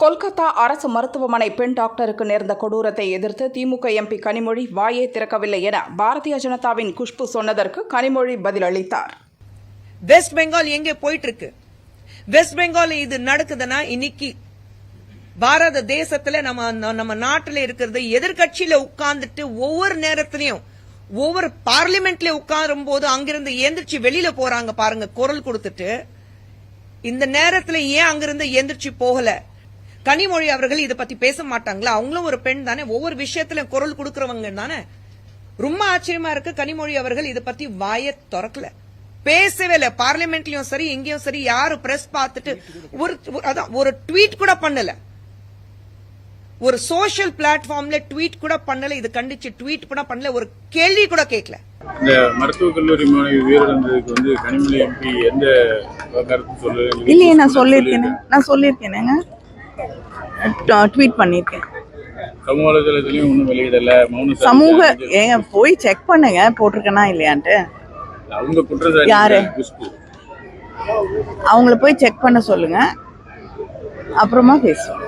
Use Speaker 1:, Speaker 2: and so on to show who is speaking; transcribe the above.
Speaker 1: கொல்கத்தா அரசு மருத்துவமனை பெண் டாக்டருக்கு நேர்ந்த கொடூரத்தை எதிர்த்து திமுக எம்பி கனிமொழி வாயே திறக்கவில்லை என பாரதிய ஜனதாவின் குஷ்பு சொன்னதற்கு கனிமொழி பதிலளித்தார்.
Speaker 2: வெஸ்ட் பெங்கால் எங்கே போயிட்டு இருக்கு? வெஸ்ட் பெங்கால் இது நடக்குதுன்னா இன்னைக்கு பாரத தேசத்துல நம்ம நாட்டில் இருக்கிறது எதிர்கட்சியில உட்கார்ந்துட்டு ஒவ்வொரு நேரத்திலையும் ஒவ்வொரு பார்லிமெண்ட்ல உட்காரும் போது அங்கிருந்து எந்திரிச்சு வெளியில போறாங்க பாருங்க குரல் கொடுத்துட்டு. இந்த நேரத்துல ஏன் அங்கிருந்து எந்திரிச்சு போகல? கனிமொழி அவர்கள் இதை பத்தி பேச மாட்டாங்களா? அவங்களும் ஒரு பெண் தானே, ஒவ்வொரு விஷயத்துல குரல் கொடுக்கறவங்க தானே. ரொம்ப ஆச்சரியமா இருக்கு, கனிமொழி அவர்கள் இதை பத்தி வாய திறக்கல, பேசவே இல்ல. பார்லிமெண்ட்லயும் சரி எங்கேயும் சரி யாரு பிரஸ் பார்த்துட்டு ஒரு ட்வீட் கூட பண்ணல, ஒரு சோசியல் பிளாட்ஃபார்ம்ல ட்வீட் கூட பண்ணல, இது கண்டிச்சு ட்வீட் கூட பண்ணல, ஒரு கேள்வி கூட கேட்கல.
Speaker 3: இந்த மருத்துவக் கல்லூரி மாணவி உயிரிழந்ததுக்கு வந்து கனிமொழி எம்பி எந்த கருத்து சொல்லல?
Speaker 4: இல்லையே, நான் சொல்லியிருக்கேன், ட்வீட் பண்ணிருக்கேன்.
Speaker 3: சமூக வலைதளத்திலயும் ஒன்றும் வெளியிடல.
Speaker 4: ஏங்க போய் செக் பண்ணுங்க போட்டிருக்கேனா இல்லையான்ட்டு.
Speaker 3: அவங்க குற்றச்சாட்டு
Speaker 4: யாரு? அவங்கள போய் செக் பண்ண சொல்லுங்க, அப்புறமா பேசுவோம்.